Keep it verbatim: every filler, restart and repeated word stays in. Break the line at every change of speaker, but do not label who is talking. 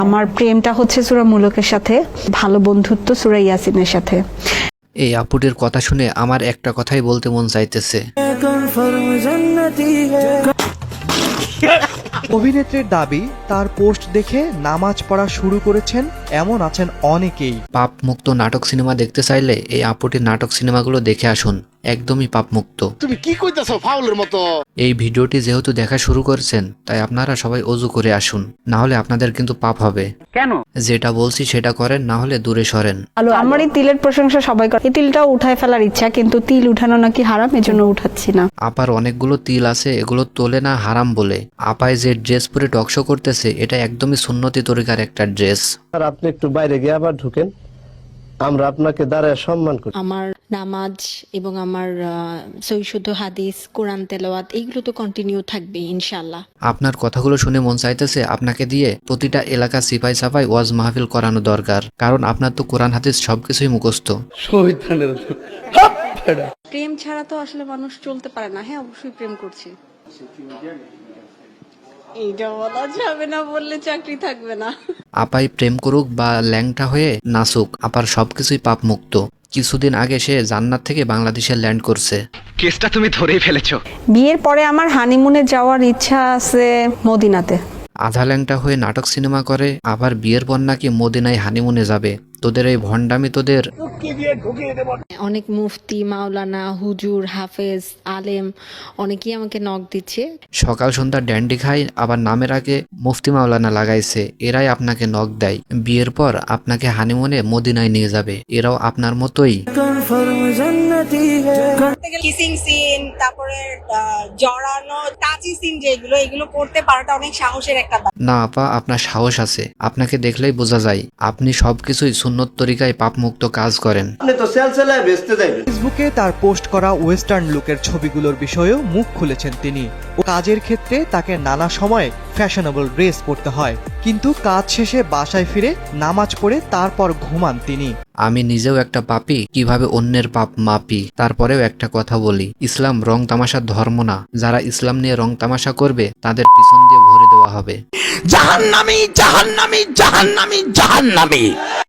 আমার প্রেমটা হচ্ছে সূরা মুলুকের সাথে, ভালো বন্ধুত্ব সূরা ইয়াসিনের সাথে।
এই আপুটির কথা শুনে আমার একটা কথাই বলতে মন চাইতেছে।
অভিনেত্রীর দাবি, তার পোস্ট দেখে নামাজ পড়া শুরু করেছেন এমন আছেন অনেকেই।
পাপ মুক্ত নাটক সিনেমা দেখতে চাইলে এই আপুটির নাটক সিনেমাগুলো দেখে আসুন, একদমই পাপ মুক্ত।
তুমি কি কইতাছো ফাউলের মতো?
এই ভিডিওটি যেহেতু দেখা শুরু করছেন, তাই আপনারা সবাই ওযু করে আসুন, না হলে আপনাদের কিন্তু পাপ হবে।
কেন?
যেটা বলছি সেটা করেন, না হলে দূরে সরেন।
আমার এই তিলের প্রশংসা সবাই করে, এই তিলটাও উঠায় ফেলার ইচ্ছা, কিন্তু তিল উঠানো নাকি হারাম, এজন্য উঠাচ্ছি না।
আপার অনেকগুলো তিল আছে, এগুলো তোলে না হারাম বলে। আপায় যে ড্রেস পরে টকশো করতেছে, এটা একদমই সুন্নতি তরিকার একটা ড্রেস।
আর আপনি একটু বাইরে গিয়ে আবার ঢুকেন, আমরা আপনাকে দাঁড়ায় সম্মান করি।
আমার নামাজ এবং আমার সহিশুদ্ধ হাদিস, কোরআন তেলাওয়াত এইগুলো তো কন্টিনিউ থাকবে ইনশাআল্লাহ।
আপনার কথাগুলো শুনে মন চাইতেছে আপনাকে দিয়ে প্রতিটা এলাকা সিপাই সাফাই ওয়াজ মাহফিল করানো দরকার, কারণ আপনার তো কোরআন হাদিস সবকিছুই মুখস্থ।
প্রেম ছাড়া তো আসলে মানুষ চলতে পারে না। হ্যাঁ, অবশ্যই প্রেম করছি। এইটা বলা যাবে না, বললে চাকরি থাকবে না।
আপাই প্রেম করুক বা ল্যাংটা হয়ে নাচুক, আপার সবকিছুই পাপ মুক্ত। কিছুদিন আগে সে জান্নাত থেকে বাংলাদেশে ল্যান্ড করছে।
কেসটা তুমি ধরেই ফেলেছো।
বিয়ের পরে আমার হানিমুনে যাওয়ার ইচ্ছা আছে মদিনাতে।
আধা ল্যাংটা হয়ে নাটক সিনেমা করে, আবার বিয়ের পর নাকি মদিনায় হানিমুনে যাবে। তোদের এই ভণ্ডামি তোদের।
অনেক মুফতি, মাওলানা, হুজুর, হাফেজ, আলেম অনেকেই আমাকে নক দিচ্ছে।
সকাল সন্ধ্যা ড্যান্ডি খাই, আবার নামের আগে মুফতি মাওলানা লাগাইছে। এরাই আপনাকে নক দেয়, বিয়ের পর আপনাকে হানিমুনে মদিনায় নিয়ে যাবে। এরাও আপনার মতোই।
কিসিং সিন, তারপরে জড়ানো টাচি সিন, যেগুলো এগুলো করতে পারাটা অনেক সাহসের একটা ব্যাপার।
না আপা, আপনার সাহস আছে, আপনাকে দেখলেই বোঝা যায় আপনি সবকিছুই সুন্নত তরিকায় পাপমুক্ত কাজ করেন।
আপনি তো সেলসেলায় বেচতে যাবেন।
ফেসবুকে তার পোস্ট করা ওয়েস্টার্ন লুকের ছবিগুলোর বিষয়েও মুখ খুলেছেন তিনি। ও কাজের ক্ষেত্রে তাকে নানা সময়ে ফ্যাশনেবল ড্রেস পরতে হয়, কিন্তু কাজ শেষে বাসায় ফিরে নামাজ পড়ে তারপর ঘুমান তিনি।
আমি নিজেও একটা পাপী, কিভাবে অন্যের পাপ মাপি। তারপরেও একটা কথা বলি, ইসলাম রং তামাশার ধর্ম না। যারা ইসলাম নিয়ে রং তামাশা করবে, তাদের পিছন দিয়ে ভরে দেওয়া হবে।
জাহান্নামী, জাহান্নামী, জাহান্নামী, জাহান্নামী।